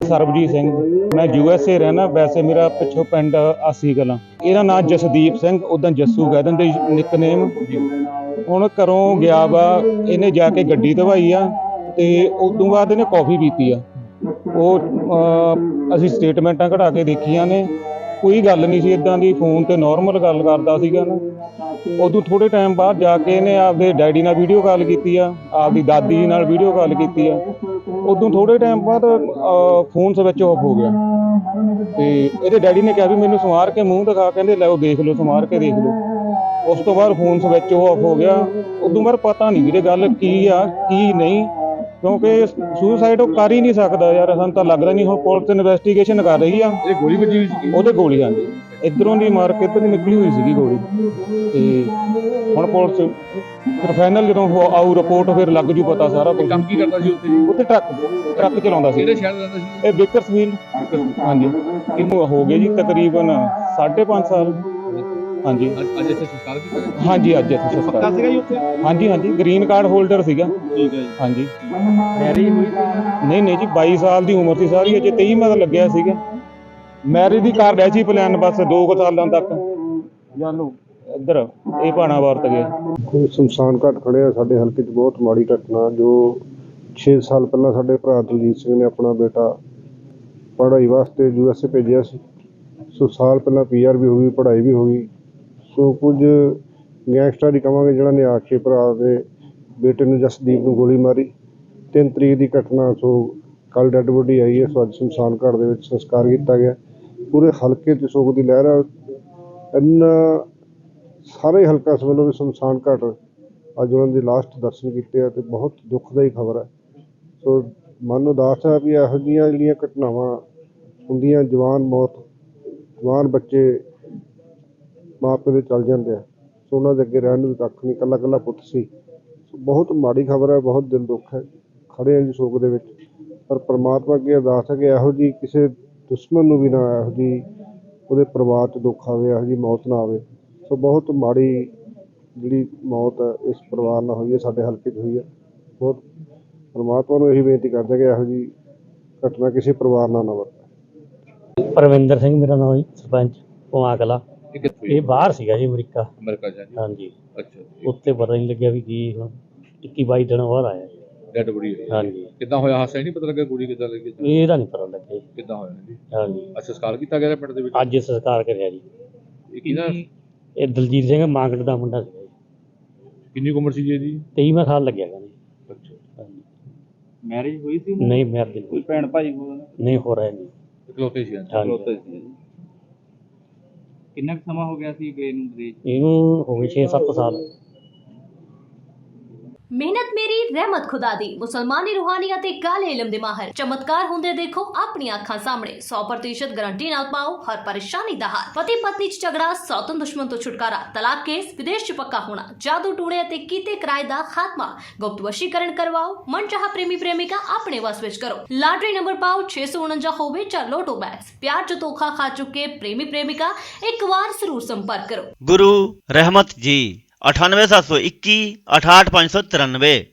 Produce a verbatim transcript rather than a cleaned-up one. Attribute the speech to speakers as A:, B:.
A: ਸਰਬਜੀਤ ਸਿੰਘ। मैं यूएसए रहना, वैसे मेरा पिछों पिंड आसी कलां। ਇਹਦਾ ਨਾਂ ਜਸਦੀਪ ਸਿੰਘ, ਉਦਾਂ ਜੱਸੂ ਕਹਿ ਦਿੰਦੇ ਨਿਕਨੇਮ। ਹੁਣ ਘਰੋਂ ਗਿਆ ਵਾ, ਇਹਨੇ ਜਾ ਕੇ ਗੱਡੀ ਧਵਾਈ ਆ ਤੇ ਉਦੋਂ ਬਾਅਦ ਇਹਨੇ ਕੌਫੀ ਪੀਤੀ ਆ। ਉਹ ਅਸੀਂ ਸਟੇਟਮੈਂਟਾਂ ਕਢਾ ਕੇ ਦੇਖੀਆਂ ਨੇ, ਕੋਈ ਗੱਲ ਨਹੀਂ ਸੀ ਇੱਦਾਂ ਦੀ, ਫੋਨ ਤੇ ਨੋਰਮਲ ਗੱਲ ਕਰਦਾ ਸੀਗਾ ਨਾ। ਉਦੋਂ ਥੋੜ੍ਹੇ ਟਾਈਮ ਬਾਅਦ ਜਾ ਕੇ ਇਹਨੇ ਆਪਦੇ ਡੈਡੀ ਨਾਲ ਵੀਡੀਓ ਕਾਲ ਕੀਤੀ ਆ, ਆਪਦੀ ਦਾਦੀ ਨਾਲ ਵੀਡੀਓ ਕਾਲ ਕੀਤੀ ਆ। ਉਦੋਂ ਥੋੜ੍ਹੇ ਟਾਈਮ ਬਾਅਦ ਫੋਨ ਸਵਿਚ ਆਫ ਹੋ ਗਿਆ ਤੇ ਇਹਦੇ ਡੈਡੀ ਨੇ ਕਿਹਾ ਵੀ ਮੈਨੂੰ ਸਮਾਰ ਕੇ ਮੂੰਹ ਦਿਖਾ, ਕਹਿੰਦੇ ਲੈ ਉਹ ਦੇਖ ਲਓ, ਸਮਾਰ ਕੇ ਦੇਖ ਲਓ। ਉਸ ਤੋਂ ਬਾਅਦ ਫੋਨ ਸਵਿਚ ਆਫ ਹੋ ਗਿਆ। ਉਦੋਂ ਬਾਅਦ ਪਤਾ ਨਹੀਂ ਵੀਰੇ ਗੱਲ ਕੀ ਆ ਕੀ ਨਹੀਂ, ਕਿਉਂਕਿ ਸੁਸਾਈਡ ਉਹ ਕਰ ਹੀ ਨਹੀਂ ਸਕਦਾ ਯਾਰ, ਸਾਨੂੰ ਤਾਂ ਲੱਗਦਾ ਨਹੀਂ। ਹੁਣ ਪੁਲਿਸ ਇਨਵੈਸਟੀਗੇਸ਼ਨ ਕਰ ਰਹੀ ਆ।
B: ਇਹ ਗੋਲੀ ਵੱਜੀ ਹੋਈ ਸੀ?
A: ਉਹਦੇ ਗੋਲੀ, ਹਾਂਜੀ, ਇੱਧਰੋਂ ਦੀ ਮਾਰ ਕੇ ਇੱਧਰ ਨਿਕਲੀ ਹੋਈ ਸੀਗੀ ਗੋਲੀ। ਤੇ ਹੁਣ ਪੁਲਿਸ ਫਿਰ ਫਾਈਨਲ ਜਦੋਂ ਆਊ ਰਿਪੋਰਟ ਫਿਰ ਲੱਗ ਜੂ ਪਤਾ ਸਾਰਾ ਕੁਝ।
B: ਕੰਮ ਕੀ ਕਰਦਾ ਸੀ ਉੱਥੇ ਜੀ?
A: ਉੱਥੇ ਟਰੱਕ ਟਰੱਕ ਚਲਾਉਂਦਾ ਸੀ।
B: ਕਿਹੜੇ ਸ਼ਹਿਰ ਦਾ ਰਹਿੰਦਾ ਸੀ?
A: ਇਹ ਬੇਕਰਸਫੀਲਡ। ਹਾਂਜੀ, ਇਹਨੂੰ ਹੋ ਗਏ ਜੀ ਤਕਰੀਬਨ ਸਾਢੇ ਪੰਜ ਸਾਲ। ਹਾਂਜੀ,
B: ਅੱਜ ਇੱਥੇ ਸੰਸਕਾਰ ਕੀਤਾ ਗਿਆ?
A: ਹਾਂਜੀ, ਅੱਜ ਇੱਥੇ ਸੰਸਕਾਰ
B: ਪੱਕਾ ਸੀਗਾ ਜੀ ਉੱਥੇ?
A: ਹਾਂਜੀ ਹਾਂਜੀ, ਗ੍ਰੀਨ ਕਾਰਡ ਹੋਲਡਰ ਸੀਗਾ।
B: ਠੀਕ ਹੈ ਜੀ।
A: ਹਾਂਜੀ,
B: ਮੈਰਿਜ ਹੋਈ ਸੀ?
A: ਨਹੀਂ ਨਹੀਂ ਜੀ, ਬਾਈ ਸਾਲ ਦੀ ਉਮਰ ਸੀ ਸਾਰੀ, ਅਜੇ ਤੇਈ ਮਤ ਲੱਗਿਆ ਸੀਗਾ। ਮੈਰਿਜ ਦੀ ਕਰ ਰਿਹਾ ਸੀ ਪਲਾਨ, ਬਸ ਦੋ ਕੁ ਸਾਲਾਂ ਤੱਕ ਜਾਨੂ ਇੱਧਰ ਇਹ ਭਾਣਾ ਵਰਤ ਗਿਆ।
C: ਕੋਈ ਸ਼ਮਸ਼ਾਨ ਘਾਟ ਖੜਿਆ ਸਾਡੇ ਹਲਕੇ 'ਚ, ਬਹੁਤ ਮਾੜੀ ਘਟਨਾ। ਜੋ ਛੇ ਸਾਲ ਪਹਿਲਾਂ ਸਾਡੇ ਭਰਾ ਦਲਜੀਤ ਸਿੰਘ ਨੇ ਆਪਣਾ ਬੇਟਾ ਪੜ੍ਹਾਈ ਵਾਸਤੇ ਯੂ ਐਸ ਏ ਭੇਜਿਆ ਸੀ। ਸੋ ਸਾਲ ਪਹਿਲਾਂ ਪੀ ਆਰ ਵੀ ਹੋ ਗਈ, ਪੜ੍ਹਾਈ ਵੀ ਹੋ ਗਈ। ਸੋ ਕੁਝ ਗੈਂਗਸਟਰ ਹੀ ਕਹਾਂਗੇ ਜਿਹਨਾਂ ਨੇ ਆ ਕੇ ਭਰਾ ਦੇ ਬੇਟੇ ਨੂੰ ਜਸਦੀਪ ਨੂੰ ਗੋਲੀ ਮਾਰੀ। ਤਿੰਨ ਤਰੀਕ ਦੀ ਘਟਨਾ। ਸੋ ਕੱਲ੍ਹ ਡੈੱਡ ਬੋਡੀ ਆਈ ਹੈ। ਸੋ ਅੱਜ ਸ਼ਮਸ਼ਾਨ ਘਾਟ ਦੇ ਵਿੱਚ ਸੰਸਕਾਰ ਕੀਤਾ ਗਿਆ। ਪੂਰੇ ਹਲਕੇ 'ਚ ਸੋਗ ਦੀ ਲਹਿਰ ਆ। ਇੰਨਾ ਸਾਰੇ ਹਲਕਾ ਇਸ ਵੱਲੋਂ ਵੀ ਸ਼ਮਸ਼ਾਨ ਘਾਟ ਅੱਜ ਉਹਨਾਂ ਦੇ ਲਾਸਟ ਦਰਸ਼ਨ ਕੀਤੇ ਆ, ਤੇ ਬਹੁਤ ਦੁੱਖਦਾਈ ਖਬਰ ਹੈ। ਸੋ ਮਨ ਉਦਾਸ ਹੈ ਵੀ ਇਹੋ ਜਿਹੀਆਂ ਜਿਹੜੀਆਂ ਘਟਨਾਵਾਂ ਹੁੰਦੀਆਂ, ਜਵਾਨ ਮੌਤ, ਜਵਾਨ ਬੱਚੇ ਮਾਂ ਪਿਓ ਦੇ ਚੱਲ ਜਾਂਦੇ ਆ। ਸੋ ਉਹਨਾਂ ਦੇ ਅੱਗੇ ਰਹਿਣ ਨੂੰ ਵੀ ਕੱਖ ਨਹੀਂ, ਇਕੱਲਾ ਇਕੱਲਾ ਪੁੱਤ ਸੀ। ਸੋ ਬਹੁਤ ਮਾੜੀ ਖਬਰ ਹੈ, ਬਹੁਤ ਦਿਲ ਦੁੱਖ ਹੈ। ਖੜ੍ਹੇ ਹਾਂ ਜੀ ਸੋਗ ਦੇ ਵਿੱਚ, ਪਰ ਪਰਮਾਤਮਾ ਅੱਗੇ ਅਰਦਾਸ ਹੈ ਕਿ ਇਹੋ ਜਿਹੀ ਕਿਸੇ ਦੁਸ਼ਮਣ ਨੂੰ ਵੀ ਨਾ ਇਹੋ ਜਿਹੀ ਉਹਦੇ ਪਰਿਵਾਰ 'ਚ ਦੁੱਖ ਆਵੇ, ਇਹੋ ਜਿਹੀ ਮੌਤ ਨਾ ਆਵੇ। ਸੋ ਬਹੁਤ ਮਾੜੀ ਜਿਹੜੀ ਮੌਤ ਹੈ ਇਸ ਪਰਿਵਾਰ ਨਾਲ ਹੋਈ ਹੈ, ਸਾਡੇ ਹਲਕੇ 'ਚ ਹੋਈ ਹੈ। ਬਹੁਤ ਪਰਮਾਤਮਾ ਨੂੰ ਇਹੀ ਬੇਨਤੀ ਕਰਦੇ ਕਿ ਇਹੋ ਜਿਹੀ ਘਟਨਾ ਕਿਸੇ ਪਰਿਵਾਰ ਨਾਲ ਨਾ ਵਾਪਰੇ।
D: ਪਰਵਿੰਦਰ ਸਿੰਘ ਮੇਰਾ ਨਾਮ ਜੀ, ਸਰਪੰਚ ਪੁਆ ਕਲਾਂ।
B: ਇਹ ਕਿੱਥੋਂ?
D: ਇਹ ਬਾਹਰ ਸੀਗਾ ਜੀ, ਅਮਰੀਕਾ।
B: ਅਮਰੀਕਾ ਜਾ ਜੀ?
D: ਹਾਂਜੀ।
B: ਅੱਛਾ,
D: ਉੱਥੇ ਪਤਾ ਨਹੀਂ ਲੱਗਿਆ ਵੀ ਕੀ ਹੁਣ ਇੱਕੀ ਬਾਈ ਦਿਨ ਬਾਅਦ ਆਇਆ ਜੀ।
B: ਡੈਡ ਬੋਡੀ ਹੋਈ?
D: ਹਾਂਜੀ।
B: ਕਿੱਦਾਂ ਹੋਇਆ ਹਾਦਸਾ? ਨਹੀਂ ਪਤਾ ਲੱਗਾ ਗੋਲੀ ਕਿੱਦਾਂ ਲੱਗੀ?
D: ਇਹਦਾ ਨਹੀਂ ਪਤਾ ਲੱਗਿਆ ਜੀ।
B: ਕਿੱਦਾਂ ਹੋਇਆ ਜੀ?
D: ਹਾਂਜੀ,
B: ਅੱਛਾ, ਸੰਸਕਾਰ ਕੀਤਾ ਗਿਆ ਪਿੰਡ ਦੇ ਵਿੱਚ?
D: ਅੱਜ ਸੰਸਕਾਰ ਕਰਿਆ ਜੀ।
B: ਇਹ ਕਿਹਦਾ?
D: ਇਹ ਦਲਜੀਤ ਸਿੰਘ ਮਾਂਗੜ ਦਾ ਮੁੰਡਾ ਸੀਗਾ ਜੀ।
B: ਕਿੰਨੀ ਕੁ ਉਮਰ ਸੀ ਜੀ ਇਹਦੀ?
D: ਤੇਈਵਾਂ ਸਾਲ ਲੱਗਿਆ ਕਹਿੰਦੇ।
B: ਅੱਛਾ।
D: ਹਾਂਜੀ।
E: ਮੈਰਿਜ ਹੋਈ ਸੀ?
D: ਨਹੀਂ ਮੈਰਿਜ
E: ਕੋਈ ਭੈਣ ਭਾਈ ਕੋਲ?
D: ਨਹੀਂ ਹੋ ਰਿਹਾ ਜੀ।
B: ਇਕਲੌਤੇ ਸੀ?
D: ਹਾਂਜੀ।
E: ਕਿੰਨਾ ਕੁ ਸਮਾਂ ਹੋ ਗਿਆ ਸੀ ਗਏ ਨੂੰ ਵਿਦੇਸ਼?
D: ਇਹਨੂੰ ਹੋ ਗਏ ਛੇ ਸੱਤ ਸਾਲ।
F: ਮਿਹਨਤ ਮੇਰੀ ਰਹਿਮਤ ਖੁਦਾ ਦੀ। ਮੁਸਲਮਾਨੀ ਰੂਹਾਨੀ ਅਤੇ ਕਾਲੇ ਇਲਮ ਦੇ ਮਾਹਰ ਚਮਤਕਾਰ ਹੁੰਦੇ ਦੇਖੋ ਆਪਣੀਆਂ ਅੱਖਾਂ ਸਾਹਮਣੇ। ਸੌ ਪ੍ਰਤੀਸ਼ਤ ਗਾਰੰਟੀ ਨਾਲ ਪਾਓ ਹਰ ਪਰੇਸ਼ਾਨੀ ਦਾ ਹੱਲ। ਪਤੀ ਪਤਨੀ 'ਚ ਝਗੜਾ, ਸੌਤਨ ਦੁਸ਼ਮਣ ਤੋਂ ਛੁਟਕਾਰਾ, ਤਲਾਕ ਕੇਸ, ਵਿਦੇਸ਼ 'ਚ ਪੱਕਾ ਹੋਣਾ, ਜਾਦੂ ਟੂਣੇ ਅਤੇ ਕੀਤੇ ਕਿਰਾਏ ਦਾ ਖਾਤਮਾ, ਗੁਪਤ ਵਸ਼ੀਕਰਨ ਕਰਵਾਓ, ਮਨਚਾਹਾ ਪ੍ਰੇਮੀ ਪ੍ਰੇਮਿਕਾ ਆਪਣੇ ਵਸ ਵਿੱਚ ਕਰੋ। ਲਾਟਰੀ ਨੰਬਰ ਪਾਓ ਛੇ ਸੌ ਉਨੰਜਾ ਹੋਵੇ ਜਾਂ ਲੋਟੋ ਬੈਗਸ। ਪਿਆਰ 'ਚ ਧੋਖਾ ਖਾ ਚੁੱਕੇ ਪ੍ਰੇਮੀ ਪ੍ਰੇਮਿਕਾ ਇੱਕ ਵਾਰ ਜ਼ਰੂਰ ਸੰਪਰਕ ਕਰੋ।
G: गुरु रहमत जी अठानवे सात सौ इक्की अठाठ पाँच सौ तिरानवे।